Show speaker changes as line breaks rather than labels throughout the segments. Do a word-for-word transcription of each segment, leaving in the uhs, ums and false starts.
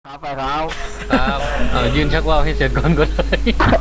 ครับไปครับ
ครับเออยืนชักว่าวให้เสร็จก่อนก็ได้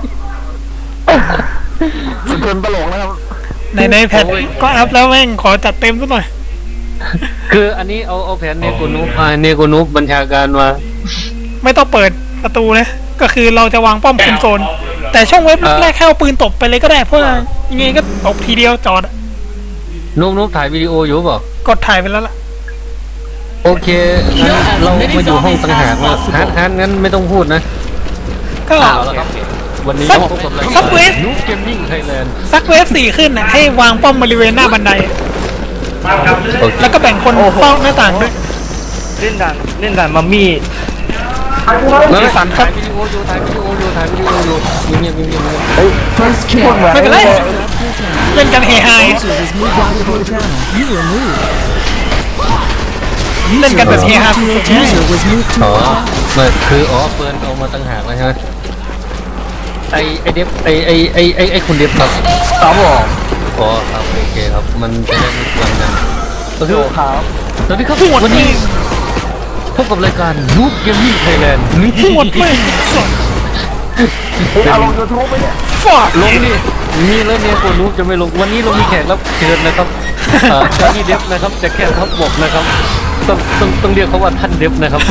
สุดทนตลกนะครับ
ในในแพทก็อัพแล้วแม่งขอจัดเต็มซะหน่อย
คืออันนี้เอาเอาแผนเนโกนูพาเนโกนูบัญชาการมา
ไม่ต้องเปิดประตูนะก็คือเราจะวางป้อมคุมโซนแต่ช่องเว็บแรกแค่เอาปืนตบไปเลยก็ได้เพราะยังไงก็ตบทีเดียวจอด
นุ๊กนุ๊กถ่ายวิดีโออยู่เปล่าก
ดถ่ายไปแล้วล่ะ
โอเคงั้นเรามาอยู่ห้องสังหารว่าฮาร์ดฮาร์ดงั้นไม่ต้องพูดนะ
ก็
วันนี้พบกับ
ซักเวฟ
นุ๊กเกมมิ่งไทยแลนด์
ซักเวฟสี่ขึ้นนะให้วางป้อมบริเวณหน้าบันไดแล้วก็แบ่งคนเฝ้าหน้าต่างด้วย
เล่นด่านเล่นด่านมัมมี่
สีสันครับวิดีโออยู่ถ่ายวิดีโออยู่ถ่ายวิดีโออยู่เงียบเงียบเงียบ
เฮ้ย
ไม่เป็นไรเล่นกันเฮฮาเล่นกันแบบเฮฮา
อ๋อไม่คืออ๋อเฟิร์นเอามาตั้งหากแล้วใช่ไหมไอไอเดฟไอไอไอไอไอคุณเดฟครับ
ครับผม
อ๋อครับโอเคครับมันจะได้ไม่กวนกัน
ก็คือครับ
สวัสดีครับวันนี้พบกับรายการนูบเกมมิ่งไทยแลนด์
นี่หมดเลย
เอาลงยูทูบไปเนี่ย
ฟาด
ลงดิมีแล้วเนี่ยตัวนูบจะไม่ลงวันนี้เรามีแขกรับเชิญนะครับเจ้านี่เดฟนะครับจะแค่ทับบกนะครับต้องต้องต้องเรียกเขาว่าท่านเดฟนะครับ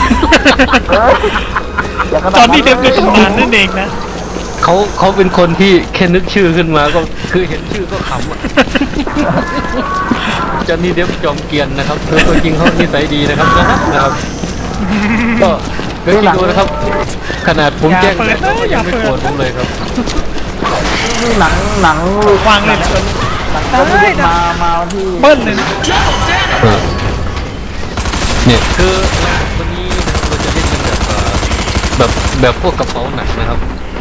ตอนนี้เดฟในตำนานนั่นเองนะ
เขาเขาเป็นคนที่แค่นึกชื่อขึ้นมาก็คือเห็นชื่อก็ขำอ่ะเจ้านี่เดฟจอมเกียนนะครับคือตัวจริงเขานิสัยดีนะครับนะครับก็เดี๋ยวดูนะครับขนาดผมแจ้งแล้วก็ยังไม่โกรธผมเลยครับ
หนังหนัง
วางเลย
หนังก็มามาที่
เบิ้ลเลยนะ
เนี่ยคือวันนี้เราจะเล่นกันแบบแบบแบบพวกกระเป๋าหนักนะครับ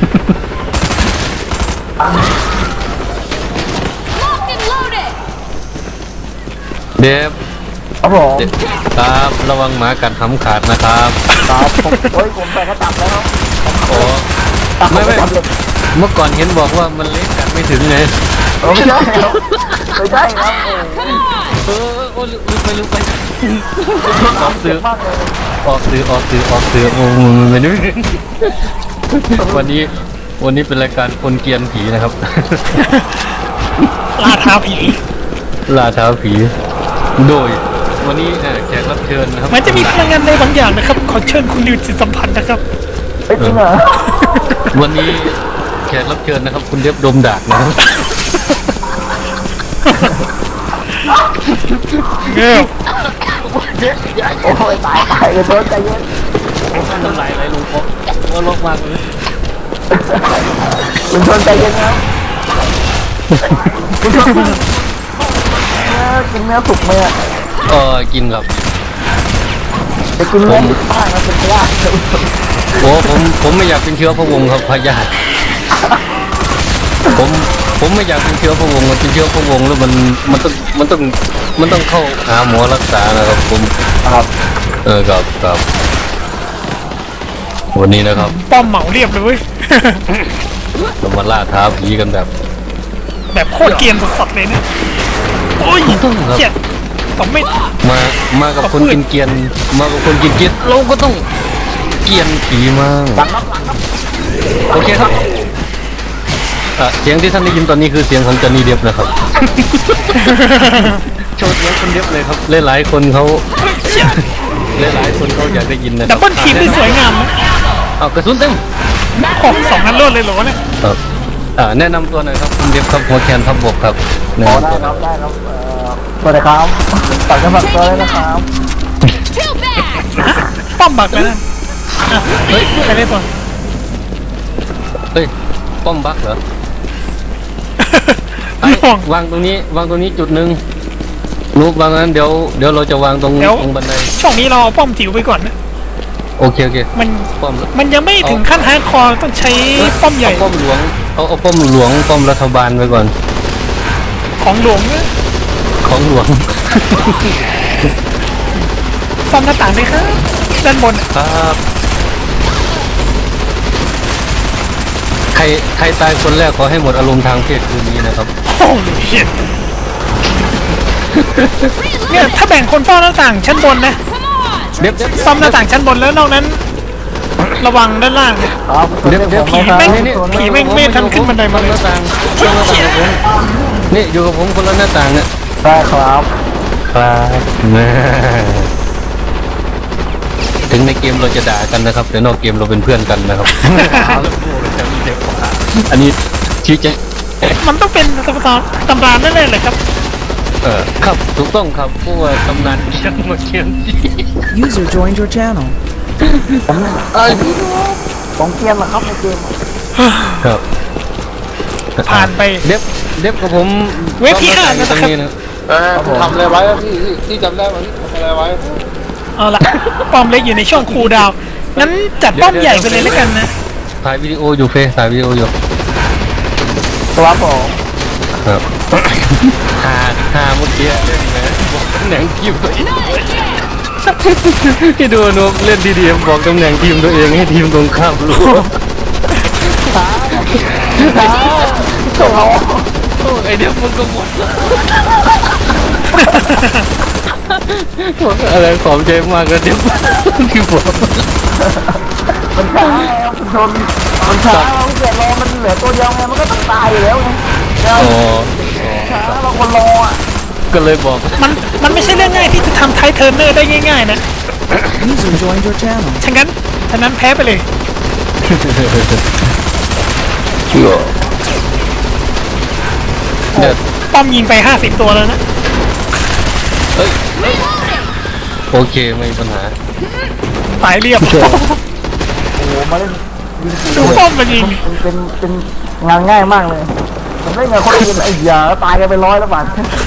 เดฟ
ครับผม
ครับระวังหมากัดทำขาดนะครับ
ครับผมโอ้ยผมไปก็ตับแล้วครับ
โอ้ไม่ไม่เมื่อก่อนเห็นบอกว่ามันเล็กกัดไม่ถึงไง
ไม่ใช่ครับไม่ใช่ครับ
เออโอ้ลืมไปลืมไปออกสื่อออกสื่อออกสื่อออกสื่อโอ้ไม่นึกวันนี้วันนี้เป็นรายการคนเกียนผีนะครับ
ล่าท้าผี
ล่าท้าผีโดยวันนี้แขกรับเชิญนะครับ
มันจะมีพลังงานในบางอย่างนะครับขอเชิญคุณลิวจิตสัมพันธ์นะครับ
จริงเหรอ
วันนี้แขกรับเชิญนะครับคุณเดฟดมดากนะครับ
เงี้ย
โอ้ยตายตายเลยเพิ่มใจเย็น
ทำลายอะไรลุงพ่อว่าลกมากเลย
ลุงชนใจเย็นครับลุงชนกินเนื้อสุกไหมอ่ะ
เออกินครับ
จะกินเนื้อดิบบ้างนะเป็นพยาธิ
โอ้ผมผมไม่อยากเป็นเชื้อพระวงศ์ครับพยาธิผมผมไม่อยากเป็นเชื้อพระวงศ์มันเป็นเชื้อพระวงศ์แล้วมันมันต้องมันต้องมันต้องเข้าหาหมอรักษานะครับผม
ครับ
เออครับครับวันนี้นะครับ
ป้อมเหมาเรียบเลยเว้ย
เรามาล่าท้าผีกันแบบ
แบบโคตรเกรียนสดๆเลยเนี่ยโอ้ย
ต้องครับ
ต้องไม่
มามากับคนกินเกียนมากับคนกินเกียนเราก็ต้องเกียนผีมากโอเคครับเสียงที่ท่านได้ยินตอนนี้คือเสียงของจอห์นนี่เดฟนะครับโชว์เสียงคนเดฟเลยครับหลายๆคนเขาหลายๆคนเขาอยากได้ยินนะ
ดับเบิลทีมที่สวยงามนะ
เอากระสุนเต็ม
ขอบสองนัดรวดเลยเหรอเนี่ย
ครับแนะนำตัวหน่อยครับคุณเดฟครับหัวแคนทับบกครับ
ได้ครับได้ครับสวัสดีครับฝากกันฝากตัวเลยนะครับ
ป้อมบักเลยนะเฮ้ยใครได้ตัว
เฮ้ยป้อมบักเหรอวางตรงนี้วางตรงนี้จุดหนึ่งรูปวางนั้นเดี๋ยวเดี๋ยวเราจะวางตรงตรงบันได
ช่วงนี้เราเอาป้อมจิ๋วไปก่อนนะ
โอเคโอเค
มัน
ป้อม
มันยังไม่ถึงขั้นฮาร์ดคอร์ต้องใช้ป้อมใหญ่
ป้อมหลวงเอาเอาป้อมหลวงป้อมรัฐบาลไปก่อน
ของหลวงเนี่ย
ของหลวง
ซ่อมหน้าต่างเลยครับด้านบน
ครับใครใครตายคนแรกขอให้หมดอารมณ์ทางเพศคืนนี้นะครับ
โอ้ยเนี่ยถ้าแบ่งคนเฝ้าหน้าต่างชั้นบนนะ
เด็บ
ซ่อมหน้าต่างชั้นบนแล้วนอกนั้นระวังด้านล่างเนี่ย
ครับ
เดี๋ยวเดี๋ยว
ผม
ผี
ไม่
แม่ง
ครับ
ผีแม่งไม่ทันขึ้นบันไดมาเลย
หน้าต่างคนละหน้าต่างกับผมนี่อยู่กับผมคนละหน้าต่างเนี่ย
ได้ครับ
ครับนะถึงในเกมเราจะด่ากันนะครับแต่นอกเกมเราเป็นเพื่อนกันนะครับอันนี้ชี้แจง
มันต้องเป็นตำราตำราแน่ๆเลยครับ
เออครับถูกต้องครับเพราะว่าตำนานเชียงมาเชียงที่
User joined your channel.
เอ้ย
ผมเกรียนเหรอครับในเกม
ครับ
ผ่านไป
เด็บเด็บกับผม
เว็บที่ห้า
ต
นะ
รง
ครับ
นี้นะ
เออทำอะไรไว้อะพี่พี่พี่จำได้ไหมพี่ทำอะไรไว้
เอาละป้อมเล็กอยู่ในช่วงคูลดาวน์งั้นจัดป้อมใหญ่ไปเลยแล้วกันนะ
ถ่ายวิดีโออยู่เฟซถ่ายวิดีโออยู่
ครับผม
ครับหาหาเมื่อกี้เล่นนะบอกตำแหน่งทีมตัวเองที่ดูนุเล่นดีๆบอกตำแหน่งทีมตัวเองให้ทีมตรงข้ามรู้
ช้าโอ้โห
โอ้ไอเดียมันก็หมดอะไรขอบใจมากเลยเดี๋ยวที่บอก
มันช้าครับคุณชนมันช้าเราเกิดรอมันเหลือตัวเดียวไงมันก็ต้องตายอยู่แล้วไงเรา
อ๋อ
ช้าเราคนรออ่ะ
ก็เลยบอก
มันมันไม่ใช่เรื่องง่ายที่จะทำไทเทอร์เนอร์ได้ง่ายๆนะ
User joined your channel.
ฉะนั้นฉะนั้นแพ้ไปเลย
เชื่อเนี่ย
ป้อมยิงไปห้าสิบตัวแล้วนะ
เอ้ยโอเคไม่มีปัญหา
ตายเรียบ
โอ้โหมาเล่นยิง
ดูป้อมมันยิง
เป็นเป็นเป็นงานง่ายมากเลยผมเล่นกับคนอื่นไอ้ยาตายกันไปร้อยแล้วบาท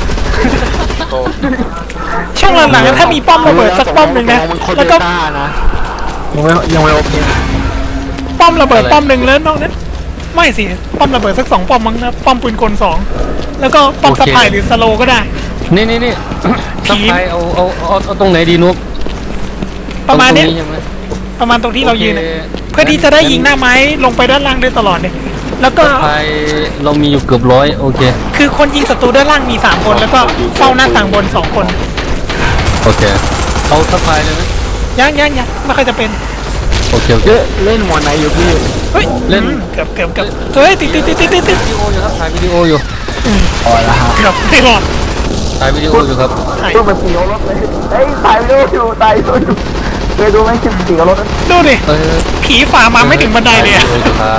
ช่วงหลังๆถ้ามีป้อมระเบิดสักป้อมหนึ่งนะแล้วก็
ยังไม่ยังไม่โอเค
ป้อมระเบิดป้อมหนึ่งแล้วนอกนั้นไม่สิป้อมระเบิดสักสองป้อมมั้งนะป้อมปืนกลสองแล้วก็ป้อมสะพายหรือสโลก็ได้
นี่นี่นี่
ผี
สไปเอาเอาเอาเอาตรงไหนดีนุ๊ก
ประมาณเนี้ย
ตงใช่ไหม
ประมาณตรงที่เรายืน
โอ
น่ะ
ค
เพื่อที่จะได้ยิงหน้าไม้ลงไปด้านล่างได้ตลอดเนี่ยแล้วก็
สไปเรามีอยู่เกือบร้อยโอเค
คือคนยิงศัตรูด้านล่างมีสามคนแล้วก็เฝ้าหน้าต่างบนสองคน
โอเคเอาสไปเลยนะ
ยังยังยังไม่ค่อยจะเป็น
โอเคโอเค
เล่นหมวดไหนอยู่พี่
เฮ้ย
เล่น
อืมเกือบเกือบเกือบเฮ้ยติดติดติดติดติดติด
วิดีโออยู่ครับถ่ายวิดีโออยู่
อ๋อละฮะ
เกือบไม่รอด
ถ่ายวิดีโออยู่ครับ
ถ่าย
เพื่อไปปีกรถเลยเฮ้ยตายไปดูอยู่ตายไปดูอยู่เคยดูไหมคลิปปีกรถ
ดูดิ
เออ
ผีฝ่ามาไม่ถึงบันไดเลยอะ
ถ่าวิดีโออยู่ครับ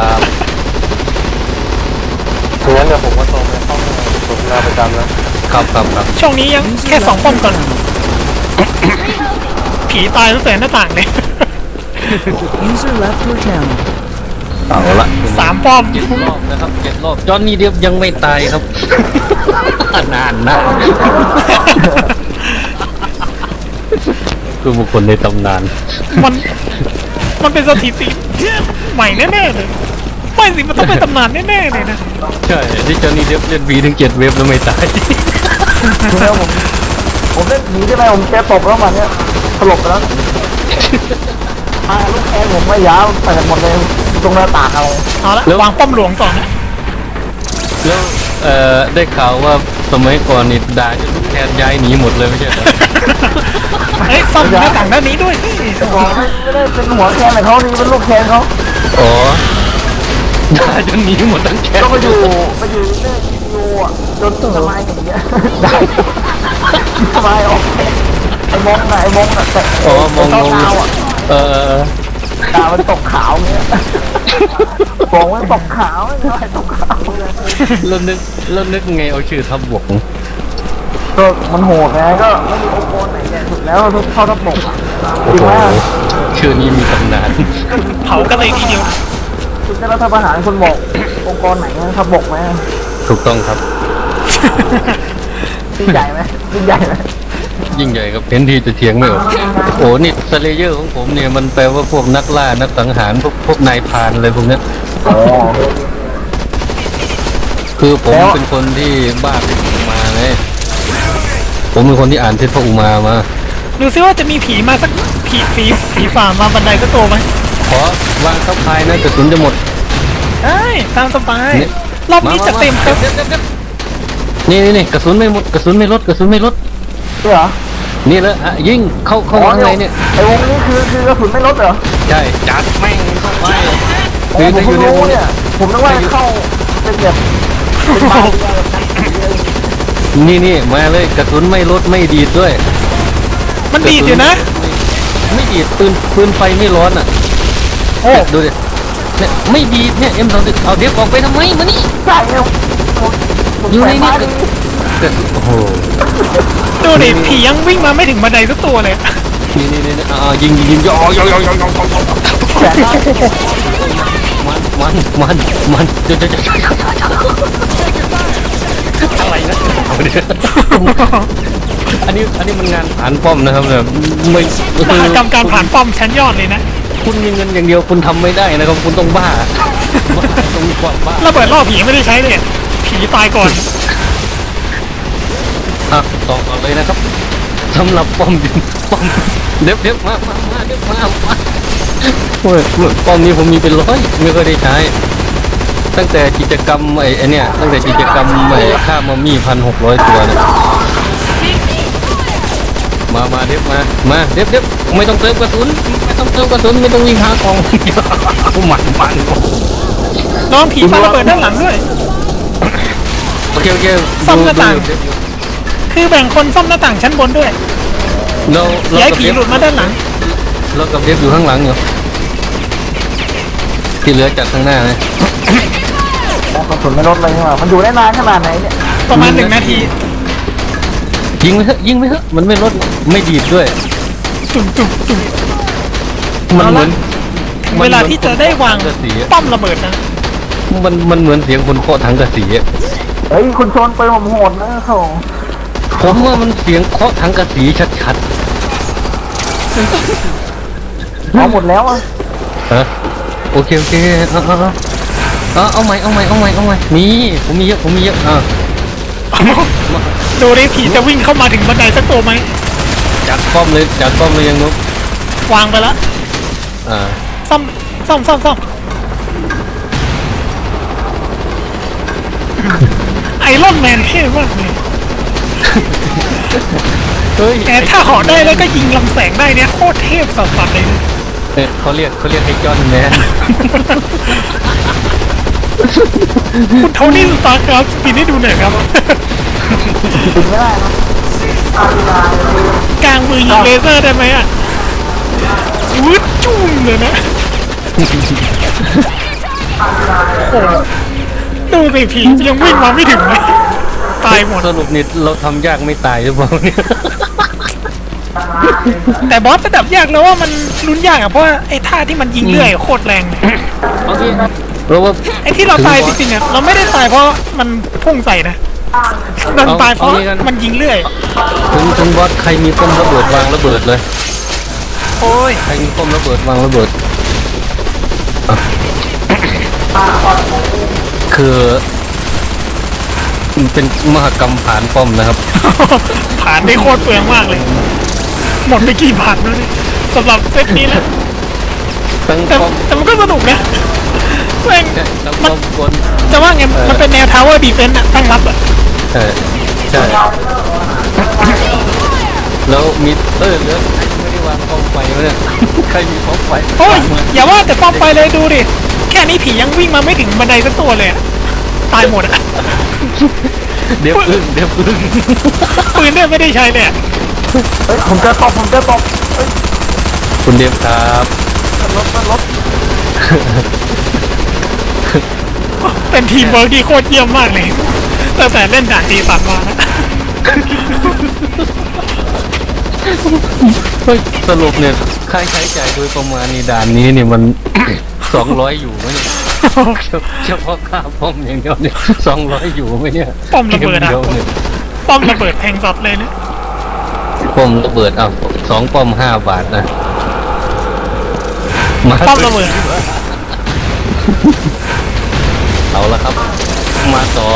งั้นเดี๋ยวผมก็ตรงไปเข้าสนทนาประจำนะครับ
ครับครับ
ช่วงนี้ยังแค่สองป้อมก่อน ผีตายตั้งแต่หน้าต่างเลย
User left your channel.
เอาละ
สามป้อม
เจ็ดรอบนะครับเจ็ดรอบจอห์นนี่เดียบยังไม่ตายครับ นานนะคือบุคคลในตำนาน
มันมันเป็นสถิติใหม่แน่ๆเลยไม่สิมันต้องเป็นตำนานแน่ๆเลยนะ
ใช่ที่จอห์นนี่เดียบเล่นบีถึงเจ็ดเว็บแล้วไม่ตาย
คือแล้วผมผมเล่นหนีได้ไหมผมแกตบแล้วมันเนี้ยสลบไปแล้วพาลูกแอนผมไม่ยาวเปิดหมดเลยตรงหน้าต่างเอา
เอาละวางป้อมหลวงก่อนนะ
แล้วเอ่อได้ข่าวว่าสมัยก่อนนี่ด่าจนลูกแทนย้ายหนีหมดเลยไม่ใช่เหรอ
เฮ้ยซ่อมหน้าต่างด้านนี้ด้วยสิ
บอกไม่ไม่ได้เป็นหัวแคนเลยเขานี่เป็นลูกแคนเขา
อ๋อด่าจนหนีหมดทั้งแค
ก็
น
ไปอยู่ไปอยู่เล่นวิดีโออ่ะจนสมัยอย่างเงี้ยได้สมัยออกไอ้มงน่ะไอ้มงน่ะแต่
อ๋อมองม
เท้า
อง
เท้าอ่ะ
เออ
ตามันตกขาวเงี้ยบอกว่าตกขาวไม่ใช่ตกขาว
แล้วนึกแล้วนึกไงเอาชื่อทับบวก
ก็มันโหดไงก็ไม่มีองค์กรไหนแย่สุดแล้วเท่าทับบกอ่ะ
โอ้
จริง
โห
ไหม
ชื่อนี้มีตำนาน
เผากันเลยทีเดียว
คุณจะรัฐประหารคุณบอกองค์กรไหนทับบกไหม
ถูกต้องครับ
ยิ่งใหญ่ไหมยิ่งใหญ่ไหม
ยิ่งใหญ่ครับเห็นทีจะเถียงไม่ออกโอ้นี่สเลเยอร์ของผมเนี่ยมันแปลว่าพวกนักล่านักสังหารพวกพวกนายพรานอะไรพวกเนี้ย
อ๋อ
คือผม
แล้ว
เป็นคนที่บ้าเทพอุมาไงผมเป็นคนที่อ่านเทพอุมามา
ดูซิว่าจะมีผีมาสักผีผีผีฝ่ามาบันไดสักตัวไหม
ขอวางเข้าพายนะกระสุนจะหมด
ได้ตามสบาย
นี่
รอบนี้จะเต็มครับ
นี่นี่นี่กระสุนไม่หมดกระสุนไม่ลดกระสุนไม่ลด
ใช่เหรอ
นี่เลยอ่ะยิงเข้าเข้าข้างในเนี่ย
ไอ้วงนี้คือคือกระสุนไม่ลดเหรอ
ใช่จัดแม่งเข้าไป
โอ้ผมเพิ่งรู้เนี่ยผมนึกว่าเข้าเป็นแบบเป็นบาร์
นี่นี่มาเลยกระสุนไม่ลดไม่ดีดด้วย
มันดีดอยู่นะ
ไม่ดีดปืนปืนไฟไม่ร้อนอ่ะ
โอ้
ดูดิเนี่ยไม่ดีดเนี่ยเอ็มสองสิบเอาเด็บออกไปทำไมมานี่
ใช่เนี่ยผมผม
อยู่ใน
ใส่
นี่
มา
ก็
ดี
กระสุนโอ้โห
ดูดิผียังวิ่งมาไม่ถึงบันไดสักตัวเลย
นี่นี่นี่อ่ายิงยิงยิงย่อย่อย่อย่อย่อ
แสนมาก
มันมันมันมันเดี๋ยวเดี๋ยวเดี๋ยวอะไรนะเอาเดี๋ยวอันนี้อันนี้มันงานผ่านป้อมนะครับแบบไม่
มหากรรมการผ่านป้อมชั้นยอดเลยนะ
คุณมีเงินอย่างเดียวคุณทำไม่ได้นะครับคุณต้องบ้าต้องมีความบ้า
ระเบิดล่อผีไม่ได้ใช้เลยผีตายก่อน
อ่ะต่อก่อนเลยนะครับสำหรับป้อมดินป้อมเด็บเด็บมามามาเด็บมามาโอ้ยป้อมนี้ผมมีเป็นร้อยไม่เคยได้ใช้ ตั้งแต่กิจกรรมไอ้ไอ้เนี่ยตั้งแต่กิจกรรมไอ้ฆ่ามามี่พันหกร้อยตัวเนี่ยมามาเด็บมามาเด็บเด็บไม่ต้องเติมกระสุนไม่ต้องเติมกระสุนไม่ต้องวิ่งหากองหมันมัน
น้องผีปาระเบิดด้านหลังด้วย
โอเคโอเค
ซ่อมหน้าต่าง คือแบ่งคนซ่อมหน้าต่างชั้นบนด้วย
เราเรา
ย้าย
กับ
ผี
เด็บ
หลุดมาด้านหลัง
เรากับเด็บอยู่ข้างหลังอยู่ที่เหลือจากข้างหน้านะ
กระสุนไม่ลดเลยนี่หว่ามันอยู่ได้นานขนาดไหนเนี่ย
ประมาณหนึ่งนาที
ยิงไปเถอะยิงไปเถอะมันไม่ลดไม่ดีดด้วย
ตุ่มตุ่มตุ่ม
มันเหมือน
เวลาที่จะได้วาง
กระสีอะ
ป้อมระเบิดนะ
มันมันเหมือนเสียงคนเคาะถังกระสีอะ
เฮ้ยคุณชนไปผมโหดนะเขา
ผมว่ามันเสียงเคาะถังกระสีชัด
เอาหมดแล้วอ่ะ
ๆฮะโอเคโอเคเอาเอาเอาเอาเอาใหม่เอาใหม่เอาใหม่เอาใหม่นี่ผมมีเยอะผมมีเยอะอ่ะ
ดูดิผีจะวิ่งเข้ามาถึงบันไดสักตัวไหม
จัดป้อมเลยจัดป้อมเลยยังนุ๊ก
วางไปแล้ว
อ่า
ซ่อมซ่อมซ่อมซ่อมไอรอนแมนเท่มากเลย
เฮ้ย
แต่ถ้าเหาะได้แล้วก็ยิงลำแสงได้เนี่ยโคตรเทพสัสๆเลยนะ
เอ้ยเขาเรียกเขาเรียกไอ้จอนแมน
คุณโทนี่สตาร์ครับปีนี้ดูหน่อยครับ
ถึงไม่ได้นะ
กลางมือยิงเลเซอร์ได้ไหมอ่ะวืดจุ้มเลยนะโอ้โหดูสิผียังวิ่งมาไม่ถึงเลยตายหมด
สรุปนี่เราทำยากไม่ตายหรือเปล่าเนี่ย
แต่บอสระดับยากแล้วว่ามันลุ้นยากอ่ะเพราะว่าไอ้ท่าที่มันยิงเรื่อยโคตรแรงเลย
โอเคเพราะว่า
ไอ้ที่เราตายจริงๆอ่ะเราไม่ได้ตายเพราะมันพุ่งใส่นะเราตายเพราะมันยิงเรื่อย
ถึงถึงบอสใครมีป้อมระเบิดวางระเบิดเลย
โอ้ย
ใครมีป้อมระเบิดวางระเบิดอ่ะคือมันเป็นมหกรรมผ่านป้อมนะครับ
ผ่านได้โคตรเปลืองมากเลย หมดไปกี่บาทแล้วเนี่ยสำหรับเซตนี้นะ
ทั้ง
แต่
ป้อม
แต่มันก็สนุกนะแม่ง
เนี่ยทั้ง
มั
ป้
น
อมบน
จะว่าไง
เออ
มันเป็นแนวทาวเวอร์ดีเฟนต์อะตั้งรับอะ
เออใช่แล้วมีเออเหลือใครไม่ได้วางป้อมไฟวะเนี่ยใครมีป้อมไฟ
โอ้ยว
างไว้
อย่าว่าแต่ป้อมไฟเลยดูดิ แค่นี้ผียังวิ่งมาไม่ถึงบันไดสักตัวเลยอะตายหมดอะ
เดี๋ยวอึ้งเดี๋ยวอึ้ง
ปืนเนี่ยไม่ได้ใช้เลยอะ
เฮ้ยผมจะตบผมจะตบเฮ้ย
คุณเดฟครับ
รถรถ
เป็นทีมเวิร์กที่โคตรเยี่ยมมากเลยตั้งแต่เล่นด่านตีสันมานะ
เฮ้ยสรุปเนี่ยค่าใช้จ่ายโดยประมาณในด่านนี้เนี่ยมัน สองร้อยอยู่ไหมเนี่ยเฉพาะค่าป้อมอย่างเดียวเนี่ยสองร้อยอยู่ไหมเนี่ย
ป้อมระเบิดอะ
กมดียวเนี่ย
ป้อมระเบิดแทงสัตว์เลยนะ
ป้อมระเบิดอ่ะสองป้อมห้าบาทนะมา
ป้อมระเบิด
เอาละครับ มาต่อ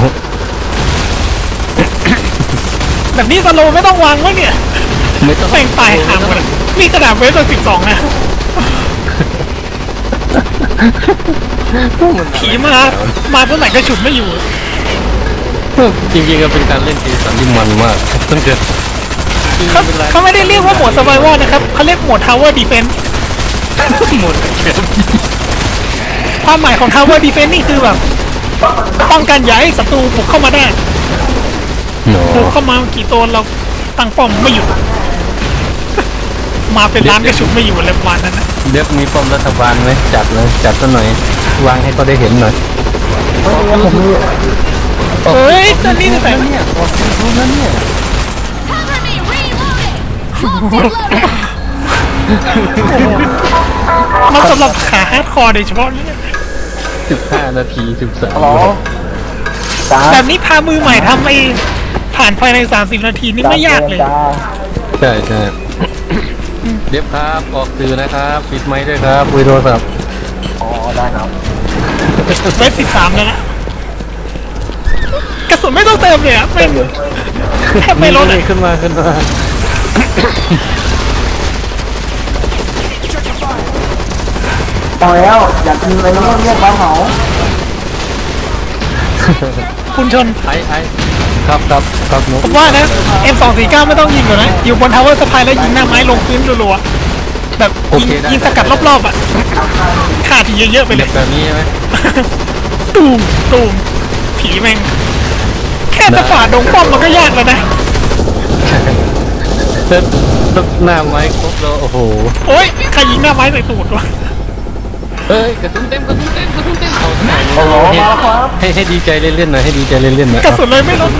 แบบนี้สโลว์ไม่ต้องวางมั้งเนี่ย
ไม่ต้อง
แม่งตายห่างหมดอะนี่กระดาษเวฟตัวสิบสองนะ ผีมา มาเมื่อไหร่ก็ฉุดไม่อยู่
จริงๆก็เป็นการเล่นเกมสันที่มันมากตั้งแต่ริงๆ
เขา
เป็นไร
เขาไม่ได้เรียกว่าโหมด survival นะครับเขาเรียกโหมด tower defense
หมดเกม
ความหมายของ tower defense นี่คือแบบป้องกันอย่าให้ศัตรูบุกเข้ามาได้
โน
บุกเข้ามากี่ตัวเราตั้งป้อมไม่หยุด มาเป็นล้านกระชุบไม่อยู่อะไรประมาณนั้นนะ
เด็บมีป้อมรัฐบาลไหมจัดเลยจัดซะหน่อย วางให้เขาได้เห็นหน่อย
ไม่มีผมมี
เฮ้ยตอนนี้แต่
เนี่ยออกรู้แล้วเนี่ย
มันสำหรับขาฮาร์ดคอร์โดยเฉพาะเนี่ย
สิบห้านาทีสิบสาม
หรอจ้า
แบบนี้พามือใหม่ทำไอ้ผ่านภายในสามสิบนาทีนี่ไม่ยากเลย
จ้า
ใช่ใช่เด็บครับออกสื่อนะครับปิดไมค์ด้วยครับคุยโทรศัพท์
อ๋อได้ครับ
เวฟสิบสามแล้วนะกระสุนไม่ต้องเติมเลยอะไม่แทบไม่ลดเลย
นี่ขึ้นมาขึ้นมา
พอแล้วอยากกินอะไรเงี้ยเงี้ยปลาเผา
คุณชน
ไอ้ไอ้ครับครับครับนุ๊ก
ผมว่านะ เอ็ม สองสี่เก้า ไม่ต้องยิงก่อนนะ อยู่บนทาวเวอร์สะพายแล้วยิงหน้าไม้ลงพื้นรัวๆแบบยิงยิงสกัดรอบๆอ่ะฆ่าทีเยอะๆไปเล
เด็
ย
บแบบนี้ใช่ไหม
ตูมตูมผีแม่ง แค่จะฝ่าดงป้อมมันก็ยากแล้วนะ
เซ็ตหน้าไม้ครบแล้วโอ้โห
โอ๊ยใครยิงหน้าไม้ใส่ตูดวะ
เอ้ยกระสุนเต็มกระสุนเต็มกระสุนเต็มเอาหน้า
โอ้โหมาแล้วครับ
ให้ให้ดีใจเล่นๆหน่อยให้ดีใจเล่นๆหน่อย
กระสุนเลยไม่ลดเลย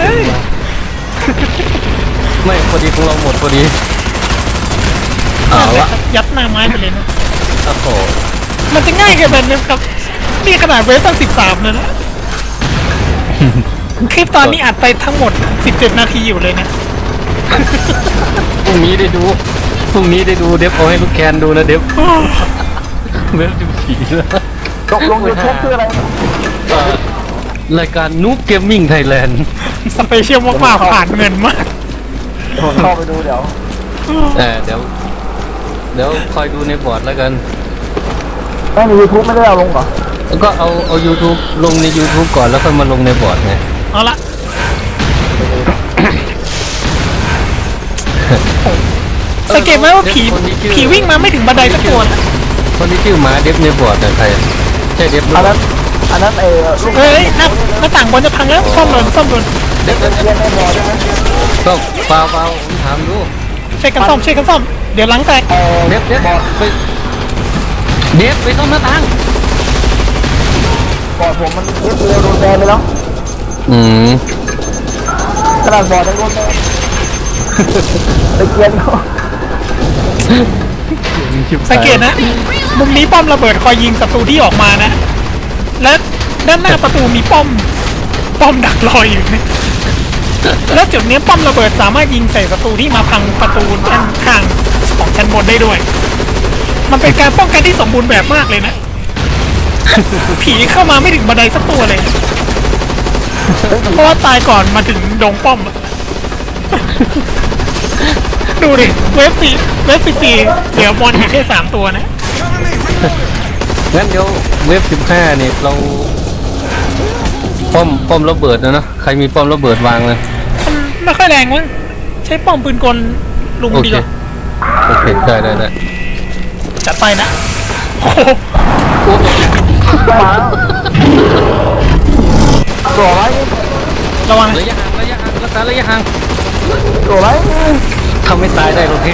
ไม่พอดีของเราหมดพอดีเอาละ
ยัดหน้าไม้ไปเลยนะ
โอ้โห
มันจะง่ายเกันแบบนี้ครับ นี่ขนาดเวฟตั้งสิบสามเลยนะ คลิปตอนนี้อัดไปทั้งหมดสิบเจ็ดนาทีอยู่เลยนะ
พรุ่งนี้ได้ดูพรุ่งนี้ได้ดูเดฟเอาให้ลูกแคนดูนะเดฟเวฟจุดสี่แล้ว
ตกลงยูทูบชื่ออะไร
เอ่อรายการนูบเกมมิ่งไทยแลนด์
สเปเชียลมากๆผ่านเงินมาก
ผมเข้าไปดูเดี๋ยว
เออเดี๋ยวเดี๋ยวคอยดูในบอร์ดแล้วกัน
ไม่ในยูทูบไม่ได้เอาลงเหรอ
แล้วก็เอาเอา YouTube ลงใน YouTube ก่อนแล้วค่อยมาลงในบอร์ดไง
เอาละสังเกตไหมว่าผีผีวิ่งมาไม่ถึงบันไดสักตัวนะ
คนที่ชื่อหมาเดฟในบอร์ดแต่ใครใช่เดฟหรือ
อัน
เป
นั้
ล่าน
อันนั้นเออลูก
เฮ้ยหน้าหน้าต่างบอลจะพังแล้วซ่อมหล่นซ่อมหล่น
เดฟเดฟ
เรียนในบอร์ดใช่ไหม
ก็เปล่าเปล่าผมถามดู
ช่วยกันซ่อมช่วยกันซ่อมเดี๋ยวหลังแตก
เออ
เดฟเดฟไปเดฟไปซ่อมหน้าต่าง
บอร์ดผมมันเรียบเรียวโดนแบนไปแล้ว
อืม
ขนาดบอร์ดยังโดนแบนไปเกียนเขา
สังเกตนะ มุมนี้ป้อมระเบิดคอยยิงศัตรูที่ออกมานะ และด้านหน้าประตูมีป้อม ป้อมดักรออยู่นะและจุดนี้ป้อมระเบิดสามารถยิงใส่ศัตรูที่มาพังประตูด้านข้างของชั้นบนได้ด้วย มันเป็นการป้องกันที่สมบูรณ์แบบมากเลยนะ ผีเข้ามาไม่ถึงบันไดสักตัวเลย เพราะว่าตายก่อนมาถึงดงป้อมอะ ดูดิเวฟสี่เวฟสิบสี่เหลือบอลอยู่แค่สามตัวนะ
งั้นเดี๋ยวเว็บสิบห้าเนี่ยเราป้อมป้อมระเบิดนะเนาะใครมีป้อมระเบิดวางเลย
มันไม่ค่อยแรงมั้งใช้ป้อมปืนกลลุม
โอ
ดี
เค
กว่า
โอเคได้ได้ได้
จัดไปนะโอ้โห
มาตัวไร
ระวัง
ระยะห่างระยะห่างรักษาระยะห่าง
ตัวไร
ทำให้ตายได้โอเค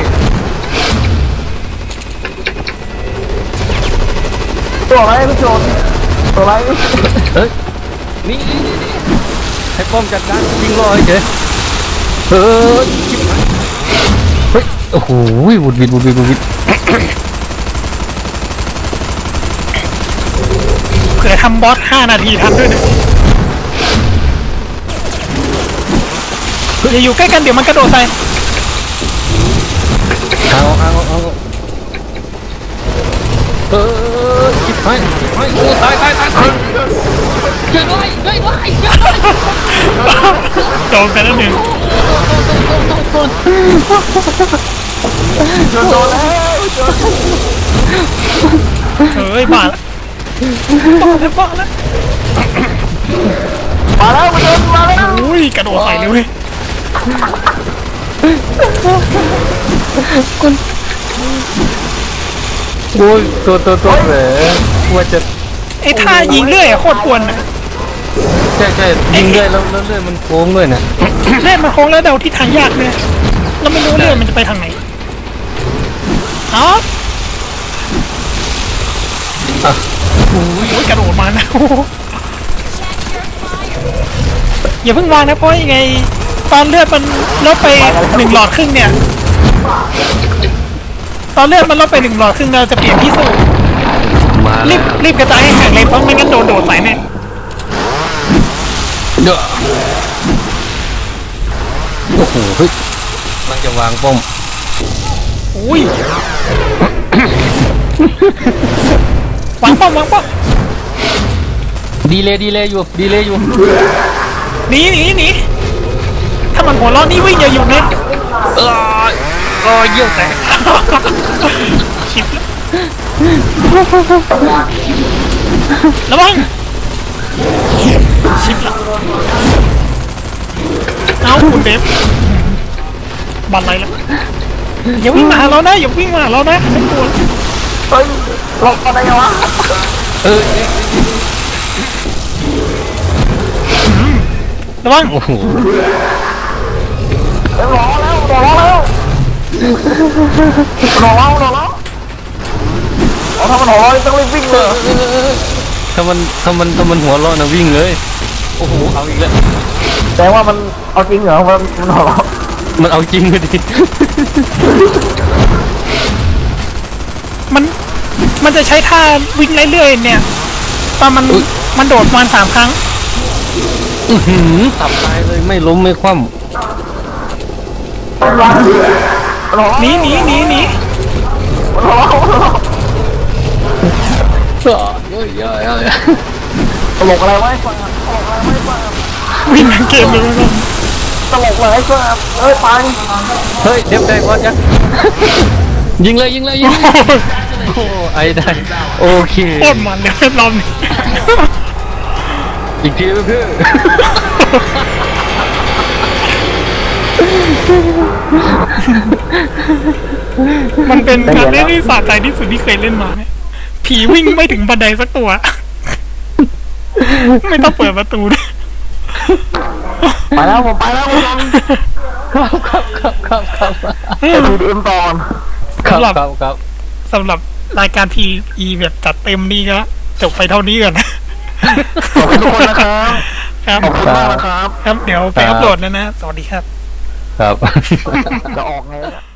ตัวไรพี่โจนตัวไร
เอ้ยนี่นี่นี่นี่ให้ป้อมจัดการยิงรอเฉยเออชิบหายเฮ้ยโอ้โหวุดวิดวุดวิดวุดวิด
เผื่อทำบอสห้านาทีทันด้วยนะอย่าอยู่ใกล้กันเดี๋ยวมันกระโดดใส่
เอาเอาเอาเออชิบหายชิบหายโอ้ตายตายตายตายช่วยด้วยช่วยด้วยช่วยด้วย
โดนไปแล้วหนึ่ง
โดนแล้ว
เฮ้ยบ้าละบ้าแล้วบ้าแล้ว
มาแล้วมาเดินมาแล้ว
อุ้ยกระโดดใส่เลยเว้ย
โอ้ยตัวตัวตัวแหมว่าจะ
ไอ้ท่ายิงเรื่อยอะโคตรกวนอะ
ใช่ใช่ยิงด้วยแล้วแล้วเลื่อยมันโค้งด้วยนะ
เล่นมันโค้งแล้วเดาทิศทางยากเนี่ยเราไม่รู้เรื่องมันจะไปทางไหนอ๋อ
อ่ะ
โอ้ยกระโดดมานะโอ้โหอย่าเพิ่งวางนะเพราะยังไงตอนเลือดมันลดไปหนึ่งหลอดครึ่งเนี่ยตอนเลือดมันลดไปหนึ่งหลอดครึ่งเราจะเปลี่ยนที่สู้
มา
รี
แล้ว
บรีบกระจายให้แข็งเลยเพราะไม่งั้นโดนโดดใส่แน่
เด้อโอ้โหเฮ้ยมันจะวางป้อม
อุ้ยวางป้อมวางป้อม
ดีเลยดีเลยอยู่ดีเลยอยู่
หนีหนีหนีถ้ามันหัวเราะนี่วิ่งอย่าอยู่นะ
เออเออเยี่ยวแตก
ชิบแล้วระวังชิบละเอาคุณเดฟบันไรแล้วอย่าวิ่งมาหาเรานะอย่าวิ่งมาหาเรานะไม่กลัว
เฮ้ยหลบอะไรวะ
เออ
ระวัง
โอ้โห
เฮ้ยรอแล้วรอแล้วรอแล้วรอแล้วเอาถ้ามันรอต้องรีบวิ่งเลย
ถ้ามันถ้ามันถ้ามันหัวเราะนะวิ่งเลยโอ้โหเอาอีกแล้ว
แต่ว่ามันเอาจริงเหรอมันมันรอแล้ว
มันเอาจริงเลยดิ
มันมันจะใช้ท่าวิ่งเรื่อยๆเนี่ยตอนมันมันโดดประมาณสามครั้ง
อื้อหือตับตายเลยไม่ล้มไม่คว่ำ
รอ
หนีหนีหนีหนี
รอ
เยอะเยอะเยอะ
ตลกอะไรไว้ฟังตลกอะไรไว้ฟัง
วิ่งทั้งเกมเลยนะ
ตลกอะไรฟังเอ้ยไป
เฮ้ยเด็บได้บอสยังยิงเลยยิงเลยยิงเลยโอ้ไอ้ได้โอเค
โคตรมันเลยรอบนี้
อีกทีเพื่อน
มันเป็นการเล่นที่สะใจที่สุดที่เคยเล่นมาเนี่ยผีวิ่งไม่ถึงบันไดสักตัว ไม่ต้องเปิดประตูด้วย
ไปแล้วผมไปแล้วผม
ครับครับครับครับครับ
ไปดูดีเอ็มตอน
ครับครับครับ
สำหรับรายการ พี อี แบบจัดเต็มนี่ก็จบไปเท่านี้ก่อนนะ
ขอบคุณทุกคนนะครับ
ครับ
ขอบคุณมากนะครับ
ครับเดี๋ยวไปอัพโหลดแล้วนะ สวัสดีครับ
ครับ
จะออกไง